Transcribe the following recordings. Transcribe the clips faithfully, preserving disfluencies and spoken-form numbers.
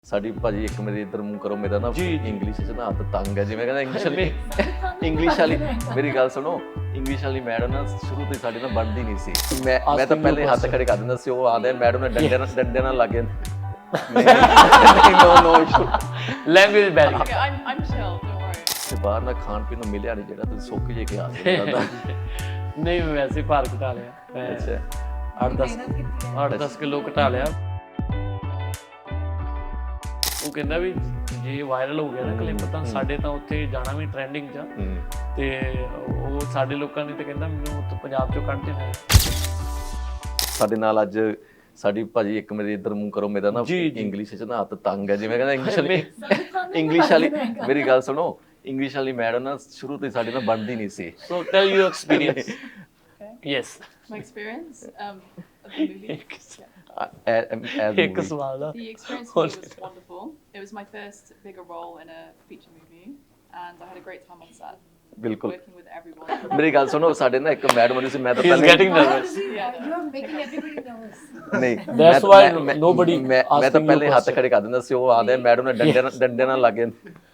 ਸਾਡੀ ਭਾਜੀ ਇੱਕ ਮੇਰੇ ਇੱਧਰ ਮੂੰਹ ਕਰੋ ਮੇਰਾ ਨਾ ਇੰਗਲਿਸ਼ 'ਚ ਨਾ ਹੱਥ ਤੰਗ ਹੈ ਜਿਵੇਂ ਕਹਿੰਦਾ ਇੰਗਲਿਸ਼ ਵਾਲੀ ਇੰਗਲਿਸ਼ ਵਾਲੀ ਮੇਰੀ ਗੱਲ ਸੁਣੋ ਇੰਗਲਿਸ਼ ਵਾਲੀ ਮੈਡਮ ਨਾ ਸ਼ੁਰੂ ਤੋਂ ਹੀ ਸਾਡੇ ਨਾਲ ਬਣਦੀ ਨਹੀਂ ਸੀ ਮੈਂ ਮੈਂ ਤਾਂ ਪਹਿਲੇ ਹੱਥ ਖੜੇ ਕਰ ਦਿੰਦਾ ਸੀ ਉਹ ਆਦੇ ਮੈਡਮ ਨੇ ਡੰਡੇ ਨਾਲ ਡੰਡੇ ਨਾਲ ਲੱਗੇ no no issue language barrier I'm I'm chill, don't worry. ਤੇ ਬਾਹਰ ਨਾ ਖਾਣ ਪੀਣ ਨੂੰ ਮਿਲਿਆ ਨਹੀਂ ਜਿਹੜਾ ਤੁਸੀਂ ਸੁੱਕ ਜੇ ਕੇ ਆ ਜਾਂਦਾ ਨਹੀਂ ਮੈਂ ਵੈਸੇ ਭਾਰ ਘਟਾ ਲਿਆ ਮੈਂ ਅੱਛਾ ਅੱਠ ਦਸ ਅੱਠ ਦਸ ਕਿਲੋ ਘਟਾ ਲਿਆ ਉਹ ਕਹਿੰਦਾ ਵੀ ਜੇ ਵਾਇਰਲ ਹੋ ਗਿਆ ਨਾ ਕਲਿੱਪ ਤਾਂ ਸਾਡੇ ਤਾਂ ਉੱਥੇ ਜਾਣਾ ਵੀ ਟ੍ਰੈਂਡਿੰਗ 'ਚ ਤੇ ਉਹ ਸਾਡੇ ਲੋਕਾਂ ਨੇ ਤੇ ਕਹਿੰਦਾ ਮੈਨੂੰ ਉੱਥੇ ਪੰਜਾਬ 'ਚੋਂ ਕੱਢ ਦੇਣਾ ਸਾਡੇ ਨਾਲ ਅੱਜ ਸਾਡੀ ਭਾਜੀ ਇੱਕ ਮੇਰੇ ਇੱਧਰ ਮੂੰਹ ਕਰੋ ਮੇਰਾ ਨਾ ਇੰਗਲਿਸ਼ 'ਚ ਨਾ ਹੱਥ ਤੰਗ ਹੈ ਜਿਵੇਂ ਕਹਿੰਦਾ ਇੰਗਲਿਸ਼ ਵਾਲੀ ਇੰਗਲਿਸ਼ ਵਾਲੀ ਮੇਰੀ ਗੱਲ ਸੁਣੋ ਇੰਗਲਿਸ਼ ਵਾਲੀ ਮੈਡਮ ਨਾ ਸ਼ੁਰੂ ਤੋਂ ਹੀ ਸਾਡੇ ਨਾਲ ਬਣਦੀ ਨਹੀਂ ਸੀ so tell you experience yes My experience um, of the movie. ਇੱਕ ਸਵਾਲ ਦਾ The experience for me was wonderful. It was my first bigger role in a feature movie, and I had a great time on set. ਬਿਲਕੁਲ Working with everyone. ਮੇਰੀ ਗੱਲ ਸੁਣੋ ਸਾਡੇ ਨਾ ਇੱਕ madam ਹੁੰਦੀ ਸੀ ਮੈਂ ਤਾਂ ਹੀ ਇਜ਼ ਪਹਿਲੇ getting nervous Yeah. You are making everybody nervous. ਨਹੀਂ That's ਮੈਂ- why ਮੈਂ- nobody ਮੈਂ ਮੈਂ ਤਾਂ asking ਪਹਿਲੇ you ਹੱਥ question. ਖੜੇ ਕਰ ਦਿੰਦਾ ਸੀ ਉਹ ਆਦੇ ਮੈਡਮ ਨੇ ਡੰਡੇ ਨਾਲ ਡੰਡੇ ਨਾਲ ਲੱਗੇ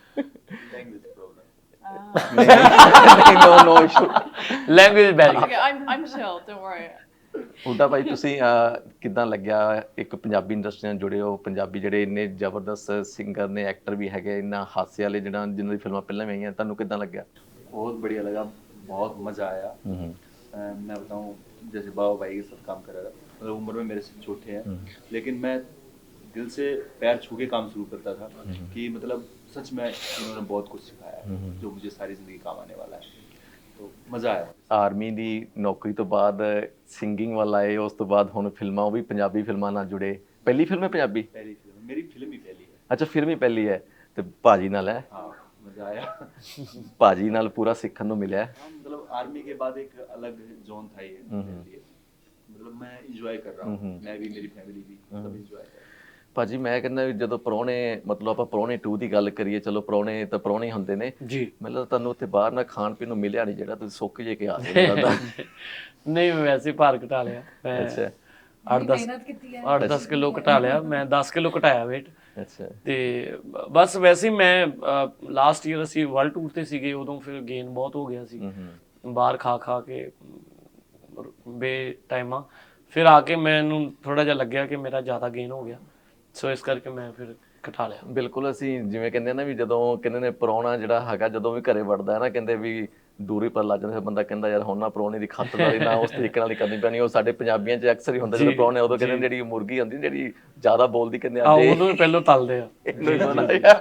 no no issue language barrier Okay, I'm I'm chill, don't worry. ਉਲਟਾ ਭਾਈ ਤੁਸੀਂ ਅਹ, ਕਿੱਦਾਂ ਲੱਗਿਆ ਇੱਕ ਪੰਜਾਬੀ ਇੰਡਸਟਰੀ ਨਾਲ ਜੁੜੇ ਹੋ ਪੰਜਾਬੀ ਜਿਹੜੇ ਇੰਨੇ ਜ਼ਬਰਦਸਤ ਸਿੰਗਰ ਨੇ ਐਕਟਰ ਵੀ ਹੈਗੇ ਇੰਨਾ ਹਾਸੇ ਵਾਲੇ ਜਿਹੜਾ ਜਿਨ੍ਹਾਂ ਦੀ ਫਿਲਮਾਂ ਪਹਿਲਾਂ ਵੀ ਆਈਆਂ ਤੁਹਾਨੂੰ ਕਿੱਦਾਂ ਲੱਗਿਆ बहुत बढ़िया लगा बहुत मज़ा आया अ, मैं बताऊं जैसे बाबा भाई के साथ काम कर रहा था मतलब उम्र में मेरे से छोटे हैं लेकिन मैं दिल से पैर छू के काम शुरू करता था कि मतलब सच में इन्होंने बहुत कुछ सिखाया है जो मुझे सारी ज़िंदगी काम आने वाला है तो मज़ा आया ਆਰਮੀ ਦੀ ਨੌਕਰੀ ਤੋਂ ਬਾਅਦ ਸਿੰਗਿੰਗ ਵੱਲ ਆਏ ਉਸ ਤੋਂ ਬਾਅਦ ਹੁਣ ਫਿਲਮਾਂ ਉਹ ਵੀ ਪੰਜਾਬੀ ਫਿਲਮਾਂ ਨਾਲ ਜੁੜੇ ਪਹਿਲੀ ਫਿਲਮ ਹੈ ਪੰਜਾਬੀ पहली फिल्म मेरी फिल्म ही पहली है ਅੱਛਾ ਫਿਲਮ ਹੀ ਪਹਿਲੀ ਹੈ ਤੇ ਭਾਜੀ ਨਾਲ ਹੈ हाँ मज़ा आया ਭਾਜੀ ਨਾਲ ਪੂਰਾ ਸਿੱਖਣ ਨੂੰ ਮਿਲਿਆ हाँ मतलब आर्मी के बाद एक अलग जोन था ये मेरे लिए मतलब मैं इंजॉय कर रहा हूँ मैं भी मेरी फैमिली भी सब इंजॉय कर रहे हैं ਭਾਜੀ ਮੈਂ ਕਹਿੰਦਾ ਵੀ ਜਦੋਂ ਪ੍ਰਾਹੁਣੇ ਮਤਲਬ ਆਪਾਂ ਪ੍ਰਾਹੁਣੇ ਟੂ ਦੀ ਗੱਲ ਕਰੀਏ ਚਲੋ ਪ੍ਰਾਹੁਣੇ ਤਾਂ ਪ੍ਰਾਹੁਣੇ ਹੁੰਦੇ ਨੇ ਜੀ ਮਤਲਬ ਤੁਹਾਨੂੰ ਉੱਥੇ ਬਾਹਰ ਨਾ ਖਾਣ ਪੀਣ ਨੂੰ ਮਿਲਿਆ ਨਹੀਂ ਜਿਹੜਾ ਤੁਸੀਂ ਸੁੱਕ ਜੇ ਕੇ ਆ ਜਾਂਦਾ ਨਹੀਂ ਮੈਂ ਵੈਸੇ ਭਾਰ ਘਟਾ ਲਿਆ ਮੈਂ ਅੱਛਾ ਅੱਠ ਦਸ ਮਿਹਨਤ ਕੀਤੀ ਹੈ ਅੱਠ ਦਸ ਕਿਲੋ ਘਟਾ ਲਿਆ ਮੈਂ ਦਸ ਕਿਲੋ ਘਟਾਇਆ weight ਅੱਛਾ ਤੇ ਬ- ਬਸ ਵੈਸੇ ਹੀ ਮੈਂ ਲਾਸਟ ਈਅਰ ਅਸੀਂ ਵਰਲਡ ਟੂਰ ਤੇ ਸੀਗੇ ਉਦੋਂ ਫਿਰ ਗੇਨ ਬਹੁਤ ਹੋ ਗਿਆ ਸੀ ਬਾਹਰ ਖਾ ਖਾ ਕੇ ਅਮ, ਬੇ ਟਾਈਮਾਂ ਫਿਰ ਆ ਕੇ ਮੈਨੂੰ ਥੋੜਾ ਜਿਹਾ ਲੱਗਿਆ ਕਿ ਮੇਰਾ ਜ਼ਿਆਦਾ ਗੇਨ ਹੋ ਗਿਆ ਸੋ ਇਸ ਕਰਕੇ ਮੈਂ ਫਿਰ ਘਟਾ ਲਿਆ ਬਿਲਕੁਲ ਅਸੀਂ ਜਿਵੇਂ ਕਹਿੰਦੇ ਨਾ ਵੀ ਜਦੋਂ ਕਹਿੰਦੇ ਨੇ ਪ੍ਰਾਹੁਣਾ ਜਿਹੜਾ ਹੈਗਾ ਜਦੋਂ ਵੀ ਘਰੇ ਵੜਦਾ ਹੈ ਨਾ ਕਹਿੰਦੇ ਵੀ ਦੂਰੀ ਪਰ ਲੱਗ ਜਾਂਦਾ ਫਿਰ ਬੰਦਾ ਕਹਿੰਦਾ ਯਾਰ ਹੁਣ ਨਾ ਪ੍ਰਾਹੁਣੇ ਦੀ ਖਾਤਰਦਾਰੀ ਨਾ ਉਸ ਤਰੀਕੇ ਨਾਲ ਹੀ ਕਰਨੀ ਪੈਣੀ ਉਹ ਸਾਡੇ ਪੰਜਾਬੀਆਂ 'ਚ ਅਕਸਰ ਹੀ ਹੁੰਦਾ ਜਦੋਂ ਪ੍ਰਾਹੁਣੇ ਉਦੋਂ ਕਹਿੰਦੇ ਜਿਹੜੀ ਮੁਰਗੀ ਹੁੰਦੀ ਜਿਹੜੀ ਜ਼ਿਆਦਾ ਬੋਲਦੀ ਕਹਿੰਦੇ ਆ ਆਂਦੇ ਉਦੋਂ ਹੀ ਪਹਿਲਾਂ ਤਲਦੇ ਆ ਇਹਨੂੰ ਹੀ ਬਣਾਇਆ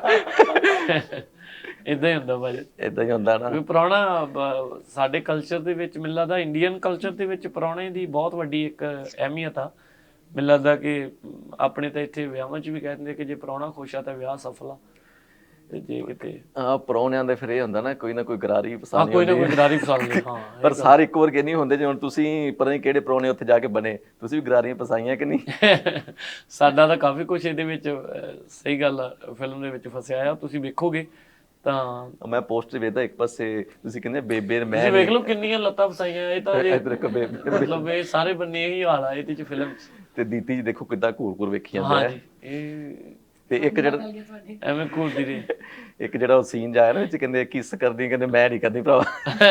ਇਦਾਂ ਹੀ ਹੁੰਦਾ ਭਾਜੀ ਇਦਾਂ ਹੀ ਹੁੰਦਾ ਨਾ ਵੀ ਪ੍ਰਾਹੁਣਾ ਬ- ਸਾਡੇ ਕਲਚਰ ਦੇ ਵਿੱਚ ਮੈਨੂੰ ਲੱਗਦਾ ਇੰਡੀਅਨ ਕਲਚਰ ਦੇ ਵਿੱਚ ਪ੍ਰਾਹੁਣੇ ਦੀ ਬਹੁਤ ਵੱਡੀ ਇੱਕ ਅਹਿਮੀਅਤ ਆ ਮੈਨੂੰ ਲੱਗਦਾ ਕਿ ਆਪਣੇ ਤਾਂ ਇੱਥੇ ਵਿਆਹਾਂ 'ਚ ਵੀ ਕਹਿੰਦੇ ਕਿ ਜੇ ਪ੍ਰਾਹੁਣਾ ਖੁਸ਼ ਆ ਤਾਂ ਵਿਆਹ ਸਫਲ ਆ ਤੇ ਜੇ ਕਿਤੇ ਆ ਪ੍ਰਾਹੁਣਿਆਂ ਦੇ ਫਿਰ ਇਹ ਹੁੰਦਾ ਨਾ ਕੋਈ ਨਾ ਕੋਈ ਗਰਾਰੀ ਆ ਪਸੰਦ ਕੋਈ ਨਾ ਕੋਈ ਗਰਾਰੀ ਪਸੰਦ ਨਹੀਂ ਹਾਂ ਪਰ ਸਾਰੇ ਇੱਕੋ ਵਰਗੇ ਨਹੀਂ ਹੁੰਦੇ ਜਿਵੇਂ ਹੁਣ ਤੁਸੀਂ ਪਤਾ ਨਹੀਂ ਕਿਹੜੇ ਪ੍ਰਾਹੁਣੇ ਉੱਥੇ ਜਾ ਕੇ ਬਣੇ ਤੁਸੀਂ ਵੀ ਗਰਾਰੀਆਂ ਪਸਾਈਆਂ ਕਿ ਨਹੀਂ ਸਾਡਾ ਤਾਂ ਕਾਫੀ ਕੁਝ ਇਹਦੇ ਵਿੱਚ ਅਹ, ਸਹੀ ਗੱਲ ਆ ਫਿਲਮ ਦੇ ਵਿੱਚ ਫਸਿਆ ਆ ਤੁਸੀਂ ਵੇਖੋਗੇ ਤਾਂ ਮੈਂ ਪੋਸਟਰ ਵੇਖਦਾ ਇੱਕ ਪਾਸੇ ਤੁਸੀਂ ਕਹਿੰਦੇ ਬੇਬੇ ਮੈਂ ਤੁਸੀਂ ਵੇਖ ਲਓ ਕਿੰਨੀਆਂ ਲੱਤਾਂ ਫਸਾਈਆਂ ਇਹ ਤਾਂ ਜੇ ਇੱਧਰ ਇੱਕ ਬੇਬੇ ਮਤਲਬ ਇਹ ਸਾਰੇ ਬੰਨੇ ਇਹੀ ਹਾਲ ਆ ਇਹਦੇ ਚ ਫਿਲਮ ਤੇ ਦੀਤੀ ਜੀ ਦੇਖੋ ਕਿੱਦਾਂ ਘੂਰ ਘੂਰ ਵੇਖੀ ਜਾਂਦੇ ਆ ਹਾਂਜੀ ਇਹ ਤੇ ਇੱਕ ਜਿਹੜਾ ਗੱਲ ਤੁਹਾਡੀ ਐਵੇਂ ਘੂਰਦੀ ਰਹੀ ਇੱਕ ਜਿਹੜਾ ਉਹ ਸੀਨ ਜਾਇਆ ਨਾ ਵਿੱਚ ਕਹਿੰਦੇ ਕਿਸ ਕਰਦੀ ਕਹਿੰਦੇ ਮੈਂ ਨਹੀਂ ਕਰਦੀ ਭਰਾਵਾ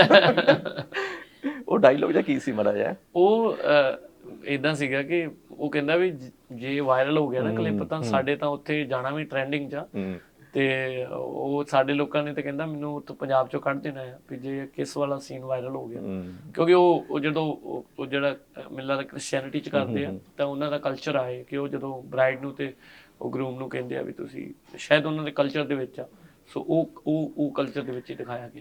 ਉਹ ਡਾਇਲੋਗ ਜਾਂ ਕੀ ਸੀ ਮੜਾ ਜਾ ਉਹ ਇਦਾਂ ਸੀਗਾ ਕਿ ਉਹ ਕਹਿੰਦਾ ਵੀ ਜ- ਜੇ ਵਾਇਰਲ ਹੋ ਗਿਆ ਨਾ ਕਲਿੱਪ ਤਾਂ ਸਾਡੇ ਤਾਂ ਉੱਥੇ ਜਾਣਾ ਵੀ ਟ੍ਰੈਂਡਿੰਗ 'ਚ ਆ ਤੇ ਉਹ ਸਾਡੇ ਲੋਕਾਂ ਨੇ ਤੇ ਕਹਿੰਦਾ ਮੈਨੂੰ ਉੱਥੋਂ ਪੰਜਾਬ 'ਚੋਂ ਕੱਢ ਦੇਣਾ ਆ ਵੀ ਜੇ ਕਿਸ ਵਾਲਾ ਸੀਨ ਵਾਇਰਲ ਹੋ ਗਿਆ ਕਿਉਂਕਿ ਉਹ ਉਹ ਜਦੋਂ ਉਹ ਉਹ ਜਿਹੜਾ ਅਹ, ਮੈਨੂੰ ਲੱਗਦਾ ਕ੍ਰਿਸਚੀਅਨਿਟੀ 'ਚ ਕਰਦੇ ਆ ਤਾਂ ਉਹਨਾਂ ਦਾ ਕਲਚਰ ਆਏ ਕਿ ਉਹ ਜਦੋਂ ਬ੍ਰਾਈਡ ਨੂੰ ਤੇ ਉਹ ਗਰੂਮ ਨੂੰ ਕਹਿੰਦੇ ਆ ਵੀ ਤੁਸੀਂ ਸ਼ਾਇਦ ਉਹਨਾਂ ਦੇ ਕਲਚਰ ਦੇ ਵਿੱਚ ਆ ਸੋ ਉਹ ਉਹ ਉਹ ਕਲਚਰ ਦੇ ਵਿੱਚ ਹੀ ਦਿਖਾਇਆ ਗਿਆ